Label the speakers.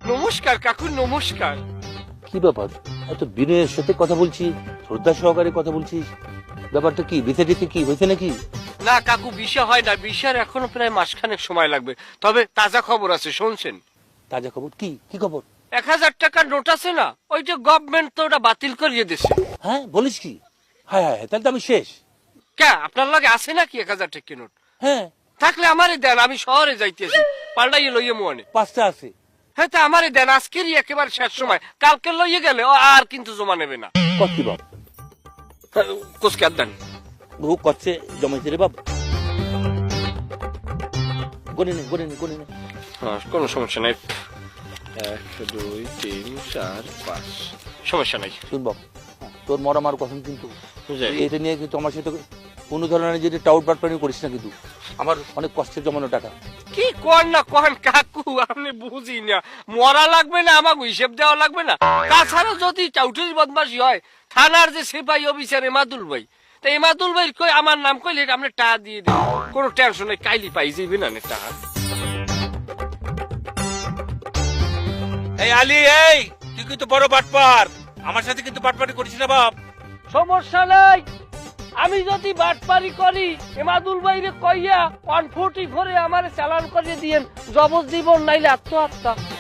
Speaker 1: নমস্কার কাকু, নমস্কার।
Speaker 2: কি ব্যাপার, এত বিনয়ের সাথে কথা বলছি, শ্রদ্ধা সহকারে কথা বলছিস, ব্যাপারটা কি? বিতে টিতে কি হয়েছে নাকি?
Speaker 1: না কাকু, বিষয় হয় না, বিষয়ের এখনো প্রায় মাসখানেক সময় লাগবে। তবে তাজা খবর আছে, শুনছেন?
Speaker 2: তাজা খবর? কি কি খবর?
Speaker 1: 1000 টাকার নোট আছে না, ওই যে গভর্নমেন্ট তো ওটা বাতিল করিয়ে দিছে।
Speaker 2: হ্যাঁ বলিস কি? হ্যাঁ হ্যাঁ, তাহলে তো আমি শেষ।
Speaker 1: কে আপনার লাগে আছে নাকি 1000 টাকা নোট?
Speaker 2: হ্যাঁ,
Speaker 1: থাকলে আমারে দেন, আমি শহরে যাইতেছি, পাল্টাইয়ে লইয়ে মনে।
Speaker 2: 5টা আছে।
Speaker 1: হ্যাঁ তা আমারে দেন, আজকেরই একেবারে শেষ সময়, কালকে লইয়ে গেলে ও আর কিন্তু জমা নেবে না।
Speaker 2: কচ্ছি বাপ,
Speaker 1: কোসকার দেন।
Speaker 2: বহু কচ্ছে জমাইছে রে বাপ। গনে নে গনে নে গনে নে।
Speaker 1: হ্যাঁ, কোনো সমস্যা নাই। 1 2 3 4 5, সমস্যা নাই।
Speaker 2: শুন বাপ, তোর মর আমার কথা কিন্তু,
Speaker 1: বুঝাই।
Speaker 2: এটা নিয়ে কিন্তু আমার সাথে কোনো ধরনের যদি টাউট বাটপানি করিস না কিন্তু, আমার অনেক কষ্টের জমানো টাকা।
Speaker 1: কি কর না কন কাকু, আপনি বুঝি না, মরা লাগবে না, আমাকে হিসেব দেওয়া লাগবে না। তাছাড়া যদি চাউটির বদমাশি হয়, থানার যে সিপাহী অফিসার এমাদুল ভাই, তা এমাদুল ভাই কই আমার নাম কইলে আপনি টাকা দিয়ে দিন, কোনো টেনশন নেই, কাইলি পাই যাইবে না টাকা।
Speaker 2: এই আলী, এই তুই কিন্তু বড় বাটপার, আমার সাথে কিন্তু বাটপারি করিস না বাপ।
Speaker 1: সমস্যা নাই, আমি যদি বাটপারি করি এমাদুল ভাইরে কইয়া 144 আমার চালান করিয়ে দিয়েন, জবজ জীবন নাইলে আত্মহত্যা।